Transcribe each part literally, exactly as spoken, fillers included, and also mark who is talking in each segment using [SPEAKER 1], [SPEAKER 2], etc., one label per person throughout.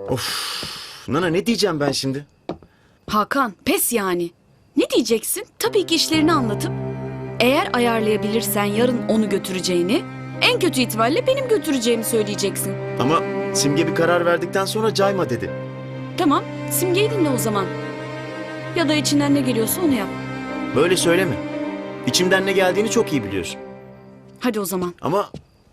[SPEAKER 1] Of. Nana ne diyeceğim ben şimdi?
[SPEAKER 2] Hakan, pes yani. Ne diyeceksin? Tabii ki işlerini anlatıp eğer ayarlayabilirsen yarın onu götüreceğini, en kötü ihtimalle benim götüreceğimi söyleyeceksin.
[SPEAKER 1] Ama Simge bir karar verdikten sonra cayma dedi.
[SPEAKER 2] Tamam, Simge'yi dinle o zaman. Ya da içinden ne geliyorsa onu yap.
[SPEAKER 1] Böyle söyleme. İçimden ne geldiğini çok iyi biliyorsun.
[SPEAKER 2] Hadi o zaman.
[SPEAKER 1] Ama...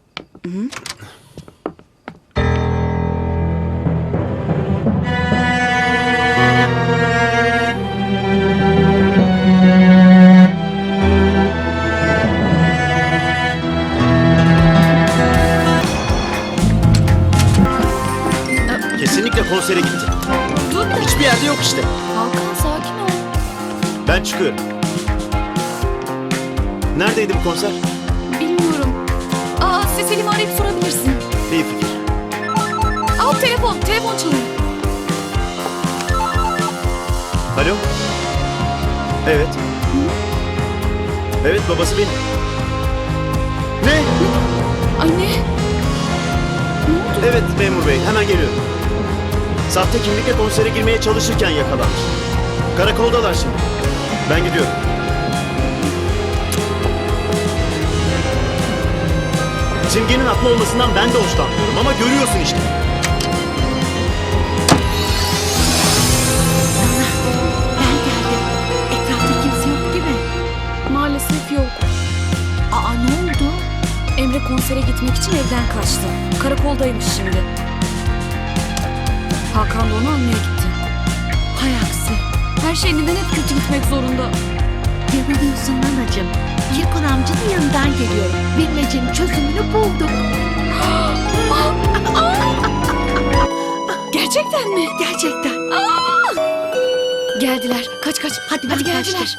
[SPEAKER 1] Kesinlikle konsere gitti.
[SPEAKER 2] Dur bir dakika.
[SPEAKER 1] Hiçbir yerde yok işte.
[SPEAKER 2] Hakan sakin ol.
[SPEAKER 1] Ben çıkıyorum. Neredeydi bu konser?
[SPEAKER 2] Bilmiyorum. Aa, Selim'i arayıp sorabilirsin.
[SPEAKER 1] İyi fikir.
[SPEAKER 2] Al telefon, telefon çalıyor.
[SPEAKER 1] Alo? Evet. Evet, babası benim. Ne?
[SPEAKER 2] Anne. Ne oldu?
[SPEAKER 1] Evet memur bey, hemen geliyorum. Sahte kimlikle konsere girmeye çalışırken yakalanmış. Karakoldalar şimdi. Ben gidiyorum. Simge'nin haklı olmasından ben de hoşlanmıyorum ama görüyorsun işte.
[SPEAKER 3] Ben geldim. Etrafta kimse yok değil mi?
[SPEAKER 2] Maalesef yok.
[SPEAKER 3] Aa ne oldu?
[SPEAKER 2] Emre konsere gitmek için evden kaçtı. Karakoldaymış şimdi. Hakan da onu almaya gitti.
[SPEAKER 3] Hay aksi.
[SPEAKER 2] Her şey neden hep kötü gitmek zorunda?
[SPEAKER 3] Yanılıyorsun nanacığım. Kirkon amcanın yanından geliyorum. Bilmecenin çözümünü bulduk.
[SPEAKER 2] Gerçekten mi?
[SPEAKER 3] Gerçekten.
[SPEAKER 2] Geldiler. Kaç kaç.
[SPEAKER 3] Hadi,
[SPEAKER 2] Hadi
[SPEAKER 3] ben
[SPEAKER 2] geldiler.
[SPEAKER 3] kaçtım.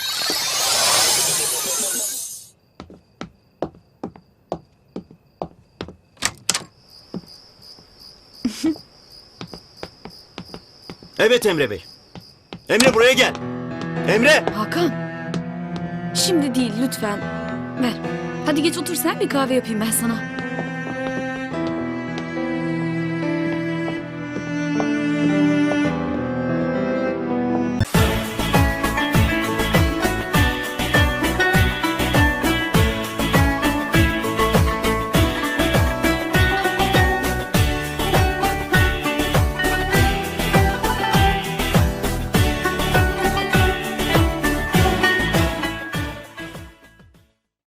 [SPEAKER 1] Evet Emre bey. Emre buraya gel. Emre!
[SPEAKER 2] Hakan. Şimdi değil lütfen. Ver. Hadi geç otur sen, bir kahve yapayım ben sana.